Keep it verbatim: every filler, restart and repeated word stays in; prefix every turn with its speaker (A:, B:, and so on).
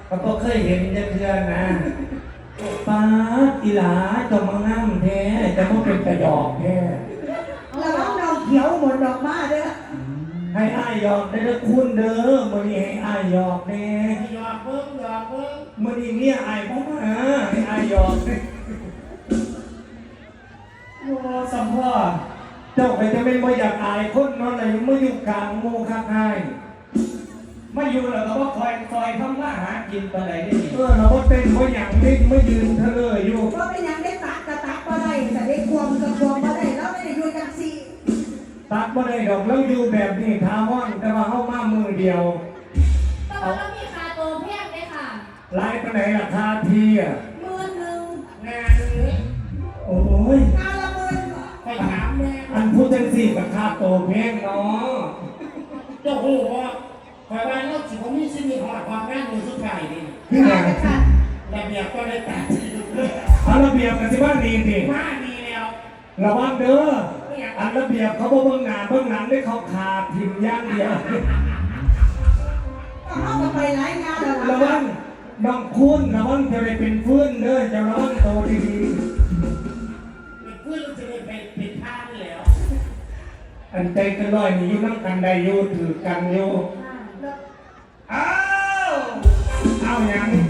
A: เขาก็เคยเห็นเพื่อนนะป้าอีหลาจะมาง่ำแท้จะมาเป็นกระดอกแท้
B: แล้วน้องดอกเขียวหมดดอกมาเด้อ
A: ให้อ้ายยอกได้แล้วคุณเด้อมื่อนี้ให้อ้ายยอกแน่
C: หยอกเบิ้งหยอกเบิ้ง
A: มื่อนี้เนี่ยอ้ายพ่อมาให้อ้ายยอกแน่โอ้สัมพ่อเจ้าไปจะเป็นบ่อยากอายคนนอนอะไรมาอยู่กลางโมคักให้มาอยู่แล้วก็ว่าคอยคอยทำมาหากินไปไหนนี่เออเราก็เต้นเพราะอย่างนี้ไม่ยืนเธอเลยอยู่
B: เพราะเป็นอย่างได้ตักกระตักก็ได้แต่ได้ควมกับควมก็ได้แล้วไม่ได้อยู่จังสี่
A: ตักบ่ได้ดอกแล้วอยู่แบบนี้ท้าว่างแต่ว่าเข้ามามือเดียว
D: แต่ว่าเรามีคาโตแพงไหมค่ะ
A: ไล่ไปไหนราคาทีอ่ะ
D: หมื่นหนึ่ง
C: งานนี้
A: โอ้ย
B: งานละหมื่น
C: ไปถามแม่
A: อันพูดจังสี่ราคาโตแพงเนาะ
C: เจ้าหูว่าคอยว่าเราสิผมมีสิ่งหอดความงานมือสุดท้ายนี่
A: คืออย่าง
C: ระเบียบก็เลยตัด
A: อันระเบียบกันสิบ้านดีสิ
C: ว่าดีแล้ว
A: ระวังเด้ออันระเบียบเขาบอกเบื้องหน้าเบื้องหลังได้เขาขาดพิมพ์ย่างเดียว
B: เขาก็ไปหลายงานแล้ว
A: ระวังน้องคุณระวังจะไปเป็นเพื่อนเด้อจะระวังโตดี
C: เป็นเพื่อนจะไปเป็นท่าแล้ว
A: อันใจกันลอยนี่อยู่นั่งกันได้อยู่ถือกันอยู่อ้าวเอาอย่าง